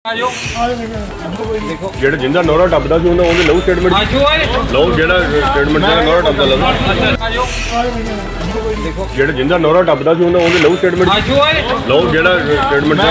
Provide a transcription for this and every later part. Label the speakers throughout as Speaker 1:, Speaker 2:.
Speaker 1: ਜਿਹੜਾ ਜਿੰਦਾ ਨੌਰਾ ਟੱਪਦਾ ਸੀ ਉਹਦੇ ਲਊ ਸਟੇਟਮੈਂਟ ਲਊ ਜਿਹੜਾ ਸਟੇਟਮੈਂਟ ਜਿਹੜਾ ਨੌਰਾ ਟੱਪਦਾ ਲਊ ਜਿਹੜਾ ਜਿੰਦਾ ਨੌਰਾ ਟੱਪਦਾ ਸੀ ਉਹਦੇ ਲਊ ਸਟੇਟਮੈਂਟ ਲਊ ਜਿਹੜਾ ਸਟੇਟਮੈਂਟ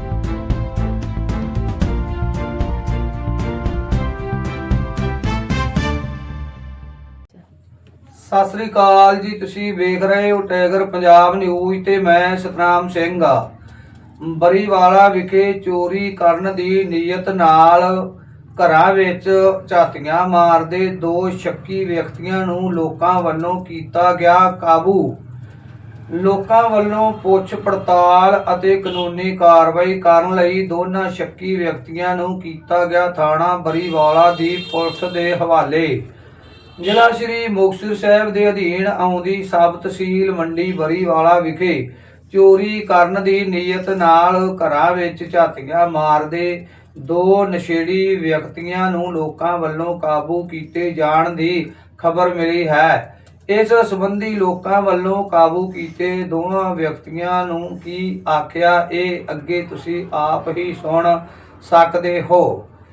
Speaker 2: ਸਤਿ ਸ੍ਰੀ ਅਕਾਲ ਜੀ। ਤੁਸੀਂ ਵੇਖ ਰਹੇ ਹੋ ਟਾਈਗਰ ਪੰਜਾਬ ਨਿਊਜ਼ ਤੇ ਮੈਂ ਸਤਨਾਮ ਸਿੰਘ ਆ। ਬਰੀਵਾਲਾ ਵਿਖੇ ਚੋਰੀ ਕਰਨ ਦੀ ਨੀਅਤ ਨਾਲ ਘਰਾਂ ਵਿੱਚ ਝਾਤੀਆਂ ਮਾਰਦੇ ਦੋ ਸ਼ੱਕੀ ਵਿਅਕਤੀਆਂ ਨੂੰ ਲੋਕਾਂ ਵੱਲੋਂ ਕੀਤਾ ਗਿਆ ਕਾਬੂ। ਲੋਕਾਂ ਵੱਲੋਂ ਪੁੱਛ ਪੜਤਾਲ ਅਤੇ ਕਾਨੂੰਨੀ ਕਾਰਵਾਈ ਕਰਨ ਲਈ ਦੋਨਾਂ ਸ਼ੱਕੀ ਵਿਅਕਤੀਆਂ ਨੂੰ ਕੀਤਾ ਗਿਆ ਥਾਣਾ ਬਰੀਵਾਲਾ ਦੀ ਪੁਲਿਸ ਦੇ ਹਵਾਲੇ। ਜ਼ਿਲ੍ਹਾ ਸ਼੍ਰੀ ਮੁਕਤਸਰ ਸਾਹਿਬ ਦੇ ਅਧੀਨ ਆਉਂਦੀ ਸਬ ਤਹਿਸੀਲ ਮੰਡੀ ਬਰੀਵਾਲਾ ਵਿਖੇ ਚੋਰੀ ਕਰਨ ਦੀ ਨੀਅਤ ਨਾਲ ਘਰਾਂ ਵਿੱਚ ਝਾਤੀਆਂ ਮਾਰਦੇ ਦੋ ਨਸ਼ੇੜੀ ਵਿਅਕਤੀਆਂ ਨੂੰ ਲੋਕਾਂ ਵੱਲੋਂ ਕਾਬੂ ਕੀਤੇ ਜਾਣ ਦੀ ਖਬਰ ਮਿਲੀ ਹੈ। ਇਸ ਸੰਬੰਧੀ ਲੋਕਾਂ ਵੱਲੋਂ ਕਾਬੂ ਕੀਤੇ ਦੋਵਾਂ ਵਿਅਕਤੀਆਂ ਨੂੰ ਕੀ ਆਖਿਆ ਇਹ ਅੱਗੇ ਤੁਸੀਂ ਆਪ ਹੀ ਸੁਣ ਸਕਦੇ ਹੋ।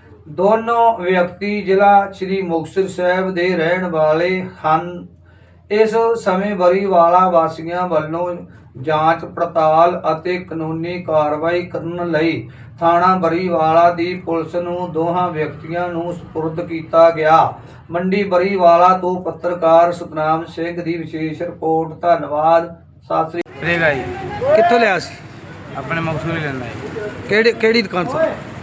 Speaker 2: ਦੋਨੋਂ ਵਿਅਕਤੀ ਜ਼ਿਲ੍ਹਾ ਸ਼੍ਰੀ ਮੁਕਤਸਰ ਸਾਹਿਬ ਦੇ ਰਹਿਣ ਵਾਲੇ ਹਨ। ਇਸ ਸਮੇਂ ਬਰੀਵਾਲਾ ਵਾਸੀਆਂ ਵੱਲੋਂ ਜਾਂਚ ਪੜਤਾਲ ਅਤੇ ਕਾਨੂੰਨੀ ਕਾਰਵਾਈ ਕਰਨ ਲਈ ਥਾਣਾ ਬਰੀਵਾਲਾ ਦੀ ਪੁਲਿਸ ਨੂੰ ਦੋਹਾਂ ਵਿਅਕਤੀਆਂ ਨੂੰ ਸਪੁਰਦ ਕੀਤਾ ਗਿਆ। ਮੰਡੀ ਬਰੀਵਾਲਾ ਤੋਂ ਪੱਤਰਕਾਰ ਸਤਨਾਮ ਸਿੰਘ ਦੀ ਵਿਸ਼ੇਸ਼ ਰਿਪੋਰਟ। ਧੰਨਵਾਦ। ਸਤਿ ਸ੍ਰੀ
Speaker 3: ਅਕਾਲ ਜੀ।
Speaker 2: ਕਿੱਥੋਂ ਲਿਆ ਸੀ?
Speaker 3: ਆਪਣੇ ਮਕਸੂਦ ਲੈਂਦਾ ਜੀ।
Speaker 2: ਕਿਹੜੀ ਦੁਕਾਨ ਤੋਂ?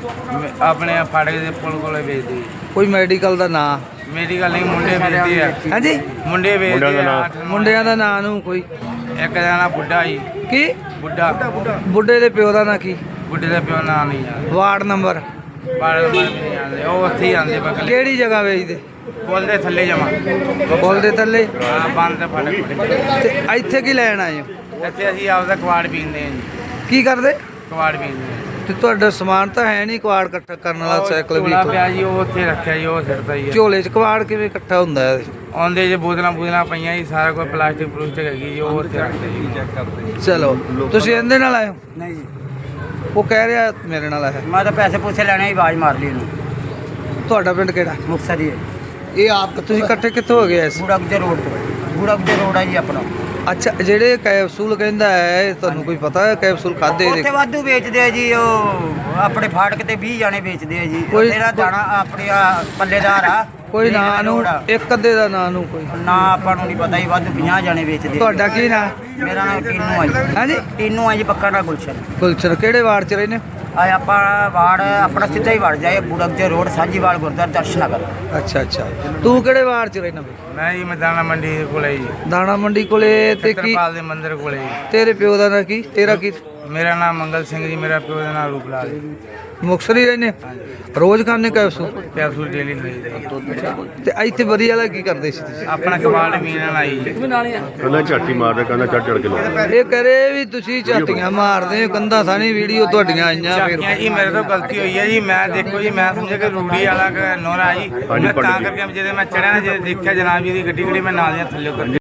Speaker 3: ਆਪਣੇ ਫਾੜਕ ਦੇ ਪੁਲ ਕੋਲੇ ਵੇਚਦੇ ਜੀ।
Speaker 2: ਕੋਈ ਮੈਡੀਕਲ ਦਾ ਨਾਂ?
Speaker 3: ਮੈਡੀਕਲ ਨਹੀਂ, ਮੁੰਡੇ ਵੇਚਦੇ ਆ।
Speaker 2: ਹਾਂਜੀ,
Speaker 3: ਮੁੰਡੇ ਵੇਚਦੇ ਆ।
Speaker 2: ਮੁੰਡਿਆਂ ਦਾ ਨਾਂ ਨੂੰ ਕੋਈ?
Speaker 3: ਇੱਕ ਦਾ ਨਾਂ ਬੁੱਢਾ ਜੀ।
Speaker 2: ਕੀ
Speaker 3: ਬੁੱਢਾ?
Speaker 2: ਬੁੱਢੇ ਦੇ ਪਿਓ ਦਾ ਨਾਂ ਕੀ?
Speaker 3: ਬੁੱਢੇ ਦਾ ਪਿਓ ਨਾਂ ਨਹੀਂ ਯਾਰ।
Speaker 2: Ward number?
Speaker 3: ਵਾਰਡ ਨੰਬਰ ਨਹੀਂ ਆਉਂਦੇ, ਉਹ ਉੱਥੇ ਹੀ ਆਉਂਦੇ ਬਗਲ।
Speaker 2: ਕਿਹੜੀ ਜਗ੍ਹਾ ਵੇਚਦੇ?
Speaker 3: ਪੁਲ ਦੇ ਥੱਲੇ ਜਮਾ।
Speaker 2: ਪੁਲ ਦੇ ਥੱਲੇ?
Speaker 3: ਹਾਂ, ਬੰਦ ਤੇ ਫਾੜਕ।
Speaker 2: ਤੇ ਇੱਥੇ ਕੀ ਲੈਣ ਆਏ ਹੋ?
Speaker 3: ਇੱਥੇ ਅਸੀਂ ਆਪਦਾ ਕਵਾੜ ਪੀਂਦੇ ਆ ਜੀ।
Speaker 2: ਕੀ ਕਰਦੇ?
Speaker 3: ਕਵਾੜ ਪੀਂਦੇ ਆ।
Speaker 2: ਤੇ ਤੁਹਾਡਾ ਸਮਾਨ ਤਾਂ ਹੈ ਨਹੀਂ ਕਵਾੜ ਇਕੱਠਾ ਕਰਨ ਵਾਲਾ? ਸਾਈਕਲ ਵੀ
Speaker 3: ਪਿਆ ਜੀ, ਉਹ ਉੱਥੇ ਰੱਖਿਆ ਜੀ, ਉਹ ਸਿੱਟਦਾ ਜੀ।
Speaker 2: ਝੋਲੇ 'ਚ ਕਵਾੜ ਕਿਵੇਂ ਇਕੱਠਾ ਹੁੰਦਾ ਹੈ?
Speaker 3: ਆਉਂਦੇ ਜੇ ਬੋਤਲਾਂ ਪਈਆਂ ਜੀ, ਸਾਰਾ ਕੋਈ ਪਲਾਸਟਿਕ ਹੈਗੀ ਜੀ, ਉਹ ਉੱਥੇ ਰੱਖਦੇ ਜੀ।
Speaker 2: ਚਲੋ, ਤੁਸੀਂ ਇਹਦੇ ਨਾਲ ਆਏ ਹੋ?
Speaker 4: ਨਹੀਂ ਜੀ,
Speaker 2: ਉਹ ਕਹਿ ਰਿਹਾ ਮੇਰੇ ਨਾਲ ਆਇਆ।
Speaker 4: ਮੈਂ ਤਾਂ ਪੈਸੇ ਪੂਸੇ ਲੈਣੇ ਹੀ, ਆਵਾਜ਼ ਮਾਰ ਲਈ ਇਹਨੂੰ।
Speaker 2: ਤੁਹਾਡਾ ਪਿੰਡ ਕਿਹੜਾ?
Speaker 4: ਮੁਕਤਸਰ ਹੀ ਹੈ।
Speaker 2: ਇਹ ਆਪ ਤੁਸੀਂ ਇਕੱਠੇ ਕਿੱਥੋਂ ਹੋ ਗਏ?
Speaker 4: ਬੂੜਾ ਗੁਜਰ ਰੋਡ ਤੋਂ। ਬੂੜਾ ਗੁਜਰ ਰੋਡ ਹੈ ਜੀ ਆਪਣਾ।
Speaker 2: ਅੱਛਾ, ਜਿਹੜੇ ਕੈਪਸੂਲ ਕਹਿੰਦਾ ਹੈ, ਤੁਹਾਨੂੰ ਕੋਈ ਪਤਾ ਹੈ ਕੈਪਸੂਲ ਖਾਦੇ?
Speaker 4: ਉੱਥੇ ਵਾਧੂ ਵੇਚਦੇ ਆ ਜੀ। ਉਹ ਆਪਣੇ ਫਾਟਕ ਤੇ 20 ਜਾਣੇ ਵੇਚਦੇ ਆ ਜੀ। ਤੇਰਾ ਦਾਣਾ ਆਪਣੇ ਪੱਲੇਦਾਰ ਆ।
Speaker 2: ਕੋਈ ਨਾਂ ਨੂੰ, ਇੱਕ ਅੱਧੇ ਦਾ ਨਾਂ ਨੂੰ ਕੋਈ
Speaker 4: ਨਾ ਆਪਾਂ ਨੂੰ ਨਹੀਂ ਪਤਾ ਜੀ। ਵਾਧੂ 50 ਜਾਣੇ ਵੇਚਦੇ।
Speaker 2: ਤੁਹਾਡਾ ਕੀ ਨਾਂ?
Speaker 4: ਮੇਰਾ ਨਾਮ ਟੀਨੂ ਆ ਜੀ।
Speaker 2: ਹਾਂਜੀ,
Speaker 4: ਟੀਨੂ ਆ ਜੀ, ਪੱਕਾ ਨਾ ਗੁਲਸ਼ਨ।
Speaker 2: ਗੁਲਸ਼ਨ। ਕਿਹੜੇ ਵਾਰਡ 'ਚ ਰਹਿੰਦੇ?
Speaker 4: ਆ ਆਪਾਂ ਵਾਰਡ ਆਪਣਾ ਸਿੱਧਾ ਹੀ ਵੜ ਜਾਏ, ਬੂੜਾ ਗੁਜਰ ਰੋਡ, ਸਾਂਝੀਵਾਲ ਗੁਰਦੁਆਰਾ ਦਰਸ਼ਨਗਰ।
Speaker 2: ਅੱਛਾ ਅੱਛਾ। ਤੂੰ ਕਿਹੜੇ ਵਾਰਡ 'ਚ ਰਹਿੰਦਾ?
Speaker 3: ਮੈਂ ਜੀ ਦਾਣਾ ਮੰਡੀ ਦੇ ਕੋਲੇ ਜੀ।
Speaker 2: ਦਾਣਾ ਮੰਡੀ ਕੋਲੇ? ਤੇ ਕੀ
Speaker 3: ਤਰਪਾਲ ਦੇ ਮੰਦਿਰ ਕੋਲੇ ਜੀ।
Speaker 2: ਤੇਰੇ ਪਿਓ ਦਾ ਨਾਂ ਕੀ? ਤੇਰਾ ਕੀ?
Speaker 3: ਮੇਰਾ ਨਾਮ ਮੰਗਲ ਸਿੰਘ ਜੀ। ਮੇਰਾ ਪਿਓ ਦਾ ਨਾਮ ਰੂਪਲਾਲ ਜੀ।
Speaker 2: ਮੁਕਤਸਰ ਹੀ ਰਹਿੰਦੇ? ਰੋਜ਼ ਖਾਂਦੇ ਕੈਪਸੂਲ?
Speaker 3: Capsule daily ਖਾਈਦਾ।
Speaker 2: ਤੇ ਇੱਥੇ ਵਧੀਆ ਵਾਲਾ ਕੀ ਕਰਦੇ ਸੀ ਤੁਸੀਂ?
Speaker 3: ਆਪਣਾ ਕਬਾੜ ਮੀਨ ਨਾਲ ਆਈ ਜੀ।
Speaker 1: ਕਹਿੰਦਾ ਝਾਟੀ ਮਾਰਦਾ, ਕਹਿੰਦਾ ਚੜ ਕੇ ਲਾਉਂਦਾ।
Speaker 2: ਇਹ ਕਰੇ ਵੀ ਤੁਸੀਂ ਝਾਤੀਆਂ ਮਾਰਦੇ ਹੋ, ਕੰਧਾਂ ਸਾਨੀ ਵੀਡੀਓ ਤੁਹਾਡੀਆਂ ਆਈਆਂ।
Speaker 3: ਝਾਕੀਆਂ ਜੀ ਮੇਰੇ ਤੋਂ ਗਲਤੀ ਹੋਈ ਹੈ ਜੀ। ਮੈਂ ਦੇਖੋ ਜੀ, ਮੈਂ ਸਮਝਿਆ ਕਿ ਰੂੜੀ ਵਾਲਾ ਨੋਰਾ ਜੀ। ਮੈਂ ਤਾਂ ਕਰਕੇ ਜਦੋਂ ਮੈਂ ਚੜਿਆ ਨਾ, ਜਦੋਂ ਦੇਖਿਆ ਜਨਾਬ ਜੀ ਦੀ ਗੱਡੀ ਖੜੀ, ਮੈਂ ਨਾਲ ਦੀਆਂ ਥੱਲੇ ਉਤਰ